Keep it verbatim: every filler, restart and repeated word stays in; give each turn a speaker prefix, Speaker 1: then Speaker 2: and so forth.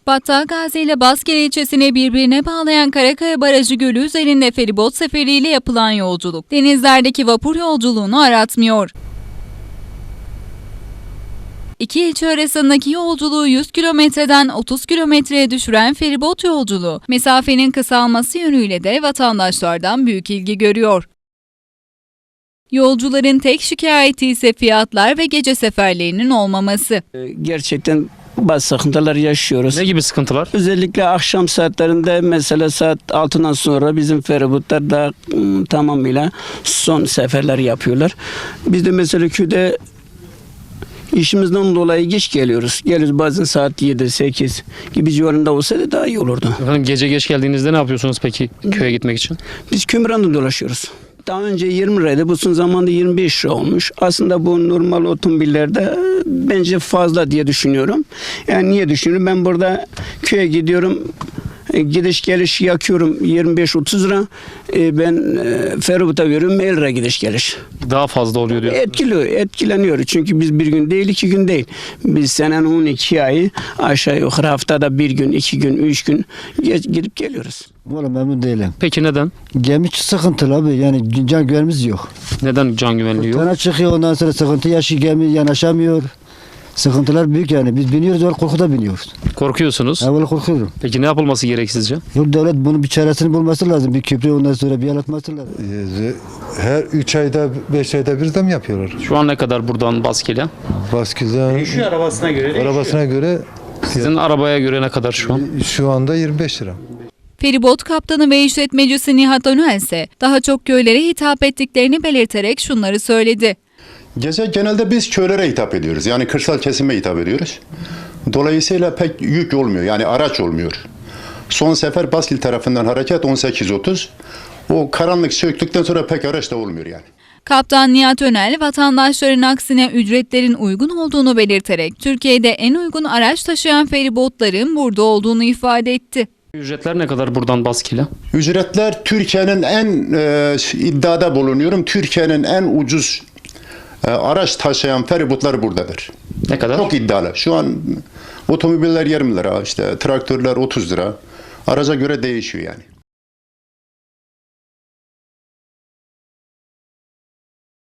Speaker 1: Battalgazi ile Baskele ilçesini birbirine bağlayan Karakaya Barajı Gölü üzerinde feribot seferiyle yapılan yolculuk, denizlerdeki vapur yolculuğunu aratmıyor. İki ilçe arasındaki yolculuğu yüz kilometreden otuz kilometreye düşüren feribot yolculuğu, mesafenin kısalması yönüyle de vatandaşlardan büyük ilgi görüyor. Yolcuların tek şikayeti ise fiyatlar ve gece seferlerinin olmaması.
Speaker 2: Gerçekten bazı sıkıntılar yaşıyoruz.
Speaker 3: Ne gibi sıkıntılar?
Speaker 2: Özellikle akşam saatlerinde, mesela saat altıdan sonra bizim feribotlar da ım, tamamıyla son seferler yapıyorlar. Biz de mesela köyde işimizden dolayı geç geliyoruz. Geliyoruz bazen saat yedi sekiz gibi civarında olsa da daha iyi olurdu.
Speaker 3: Efendim, gece geç geldiğinizde ne yapıyorsunuz peki köye gitmek için?
Speaker 2: Biz Kömüran'da dolaşıyoruz. Daha önce yirmi liraydı, bu son zamanda yirmi beş lira olmuş. Aslında bu normal otomobillerde bence fazla diye düşünüyorum. Yani niye düşünüyorum? Ben burada köye gidiyorum, gidiş geliş yakıyorum yirmi beş otuz lira. Ben feribota veriyorum elli lira gidiş geliş.
Speaker 3: Daha fazla oluyor diyor.
Speaker 2: Etkili, etkileniyor. Çünkü biz bir gün değil, iki gün değil. Biz senenin on iki ayı aşağı yukarı haftada bir gün, iki gün, üç gün gidip geliyoruz.
Speaker 4: Valla memnun değilim.
Speaker 3: Peki neden?
Speaker 4: Gemi sıkıntılı abi, yani can güvenimiz yok.
Speaker 3: Neden can güvenliği yok?
Speaker 4: Sana çıkıyor, ondan sonra sıkıntı yaşıyor, gemi yanaşamıyor. Sıkıntılar büyük yani. Biz biniyoruz, öyle korkuda biniyoruz.
Speaker 3: Korkuyorsunuz.
Speaker 4: Ben böyle korkuyorum.
Speaker 3: Peki ne yapılması gerek sizce?
Speaker 4: Yok, devlet bunun bir çaresini bulması lazım. Bir köprü, ondan sonra bir yer atması lazım.
Speaker 5: Her üç ayda, beş ayda bir zam yapıyorlar.
Speaker 3: Şu an ne kadar buradan Baskele?
Speaker 5: Baskıza
Speaker 6: Değişiyor, arabasına göre değişiyor.
Speaker 5: arabasına göre
Speaker 3: Sizin arabaya göre ne kadar şu an?
Speaker 5: şu anda yirmi beş lira.
Speaker 1: Feribot kaptanı ve işletmecisi Nihat Önel ise daha çok köylere hitap ettiklerini belirterek şunları söyledi.
Speaker 7: Gece genelde biz köylere hitap ediyoruz. Yani kırsal kesime hitap ediyoruz. Dolayısıyla pek yük olmuyor. Yani araç olmuyor. Son sefer Baskil tarafından hareket on sekiz otuz. O karanlık çöktükten sonra pek araç da olmuyor yani.
Speaker 1: Kaptan Nihat Önel, vatandaşların aksine ücretlerin uygun olduğunu belirterek Türkiye'de en uygun araç taşıyan feribotların burada olduğunu ifade etti.
Speaker 3: Ücretler ne kadar buradan Baskele?
Speaker 7: Ücretler Türkiye'nin en e, iddiada bulunuyorum. Türkiye'nin en ucuz e, araç taşıyan feribotlar buradadır.
Speaker 3: Ne kadar?
Speaker 7: Çok iddialı. Şu an otomobiller yirmi lira, işte traktörler otuz lira. Araca göre değişiyor yani.